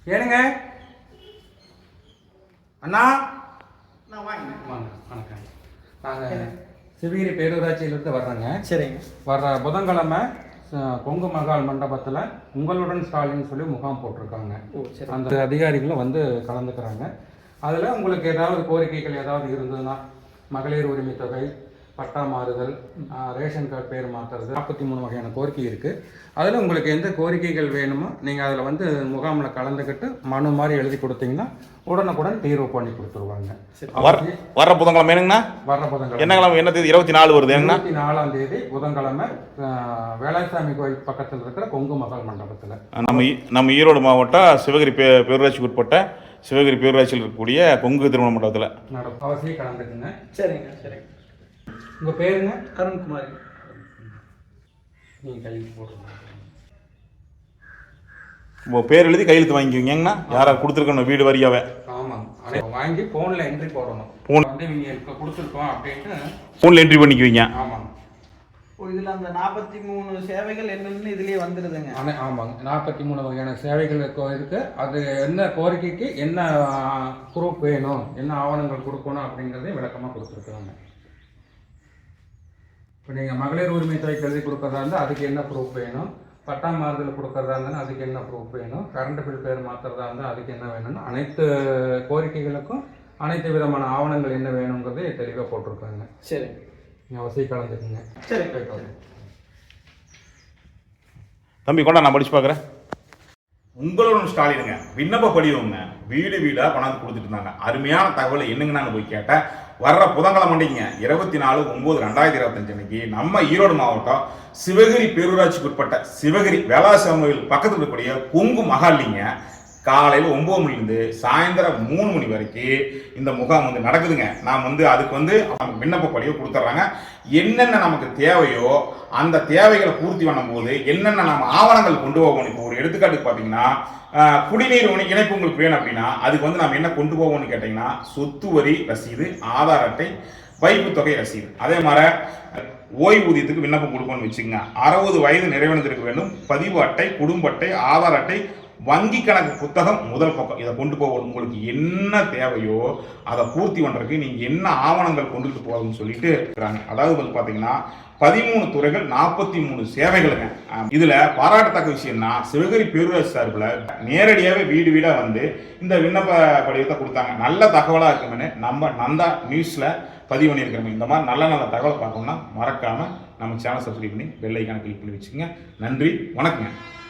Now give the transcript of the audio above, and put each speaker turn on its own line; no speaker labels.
ஏனுங்க அண்ணா,
வாங்க.
வணக்கம். நாங்கள் சிவகிரி பேரூராட்சியிலிருந்து வர்றோங்க.
சரிங்க.
வர்ற புதன்கிழமை கொங்கு மகால் மண்டபத்தில் உங்களுடன் ஸ்டாலின் சொல்லி முகாம் போட்டிருக்காங்க. அந்த அதிகாரிகளும் வந்து கலந்துக்கிறாங்க. அதில் உங்களுக்கு ஏதாவது கோரிக்கைகள் ஏதாவது இருந்ததுன்னா, மகளிர் உரிமை தொகை, பட்டா மாறுதல், ரேஷன் கார்டு பேர் மாற்றுறது, 43 வகையான கோரிக்கை இருக்குது. அதில் உங்களுக்கு எந்த கோரிக்கைகள் வேணுமோ நீங்கள் அதில் வந்து முகாமில் கலந்துக்கிட்டு மனு மாதிரி எழுதி கொடுத்தீங்கன்னா உடனுக்குடன் தீர்வு பண்ணி கொடுத்துருவாங்க.
வர்ற புதன்கிழமை வேணுங்கண்ணா?
வர்ற புதன்கிழமை
என்ன கிழமை? என்ன தேதி? 24 வருது.
24ஆம் தேதி புதன்கிழமை வேளாசாமி கோயில் பக்கத்தில் இருக்கிற கொங்கு மகால் மண்டபத்தில்
நம்ம ஈரோடு மாவட்டம் சிவகிரி பேரூராட்சிக்கு உட்பட்ட சிவகிரி பேரூராட்சியில் இருக்கக்கூடிய கொங்கு திருமண மண்டபத்தில்
நடக்கும். அவசியம் கலந்துக்குங்க.
சரிங்க. சரிங்க.
உங்கள் பேருங்க?
அருண்குமார்.
நீங்கள் கையெழுத்து போட்டுருங்க.
பேர் எழுதி கையெழுத்து வாங்கிக்குவீங்கண்ணா? யாராவது கொடுத்துருக்கணும் வீடு வரியாவே?
ஆமாங்க, வாங்கி ஃபோனில் என்ட்ரி போடணும். ஃபோன் வந்து நீங்கள் இப்போ கொடுத்துருக்கோம் அப்படின்ட்டு ஃபோனில்
என்ட்ரி பண்ணிக்குவீங்க.
ஆமாங்க.
இதில் அந்த 43 சேவைகள் என்னென்னு இதுலேயே வந்துடுதுங்க.
ஆமாங்க, 43 வகையான சேவைகள் இருக்குது. அது என்ன கோரிக்கைக்கு என்ன ப்ரூஃப் வேணும், என்ன ஆவணங்கள் கொடுக்கணும் அப்படிங்கிறதையும் விளக்கமாக கொடுத்துருக்குறாங்க. இப்போ நீங்கள் மகளிர் உரிமை தொகை எழுதி கொடுக்குறதா இருந்தால் அதுக்கு என்ன ப்ரூஃப் வேணும், பட்டா மாறுதல் கொடுக்குறதா இருந்தாலும் அதுக்கு என்ன ப்ரூஃப் வேணும், கரண்ட் பில் பேர் மாற்றுறதா இருந்தால் அதுக்கு என்ன வேணும்னு அனைத்து கோரிக்கைகளுக்கும் அனைத்து விதமான ஆவணங்கள் என்ன வேணுங்கிறதே தெளிவாக போட்டிருக்காங்க.
சரி,
நீங்கள் அவசியம் கலந்துக்குங்க.
சரி.
தம்பி கொண்டா, நான் படிச்சு பார்க்குறேன். உங்களுடன் ஸ்டாலினுங்க விண்ணப்ப படிவங்க வீடு வீடாக கொண்டாந்து கொடுத்துட்டு இருந்தாங்க. அருமையான தகவலை என்னங்க நான் போய் கேட்டேன். வர்ற புதன்கிழமை மண்டிங்க 24/9/2025 அன்னைக்கு நம்ம ஈரோடு மாவட்டம் சிவகிரி பேரூராட்சிக்கு உட்பட்ட சிவகிரி வேளாசாமி கோயில் பக்கத்தில் இருக்கக்கூடிய கொங்கு மகாலிங்க காலையில் 9 மணிலேருந்து சாயந்தரம் 3 மணி வரைக்கும் இந்த முகாம் வந்து நடக்குதுங்க. நாம் வந்து அதுக்கு வந்து அவங்க விண்ணப்ப படிவை கொடுத்துட்றாங்க. என்னென்ன நமக்கு தேவையோ அந்த தேவைகளை பூர்த்தி பண்ணும்போது என்னென்ன நம்ம ஆவணங்கள் கொண்டு போகணும். இப்போ ஒரு எடுத்துக்காட்டுக்கு பார்த்தீங்கன்னா, குடிநீர் இணைப்பு உங்களுக்கு வேணும் அப்படின்னா அதுக்கு வந்து நம்ம என்ன கொண்டு போவோம்னு கேட்டிங்கன்னா, சொத்து வரி ரசீது, ஆதார் அட்டை, வைப்பு தொகை ரசீது. அதே மாதிரி ஓய்வூதியத்துக்கு விண்ணப்பம் கொடுக்கணும்னு வச்சுக்கோங்க. 60 வயது நிறைவடைந்திருக்க வேண்டும். பதிவு அட்டை, குடும்ப அட்டை, ஆதார் அட்டை, வங்கி கணக்கு புத்தகம், முதல் பக்கம். இதை கொண்டு போக உங்களுக்கு என்ன தேவையோ அதை பூர்த்தி பண்ணுறதுக்கு நீங்கள் என்ன ஆவணங்கள் கொண்டுட்டு போகணும்னு சொல்லிட்டு இருக்கிறாங்க. அதாவது வந்து பார்த்தீங்கன்னா 13 துறைகள், 43 சேவைகளுங்க. இதில் பாராட்டத்தக்க விஷயம்னா சிவகிரி பேரூராட்சி சார்பில் நேரடியாகவே வீடு வீடாக வந்து இந்த விண்ணப்ப படிவத்தை கொடுத்தாங்க. நல்ல தகவலாக இருக்குமென்னு நம்ம நந்தா நியூஸில் பதிவு பண்ணியிருக்கிறோம். இந்த மாதிரி நல்ல நல்ல தகவலை பார்க்கணும்னா மறக்காமல் நம்ம சேனல் சப்ஸ்கிரைப் பண்ணி பெல் ஐக்கானை கிளிக் பண்ணி வச்சுக்கோங்க. நன்றி, வணக்கங்க.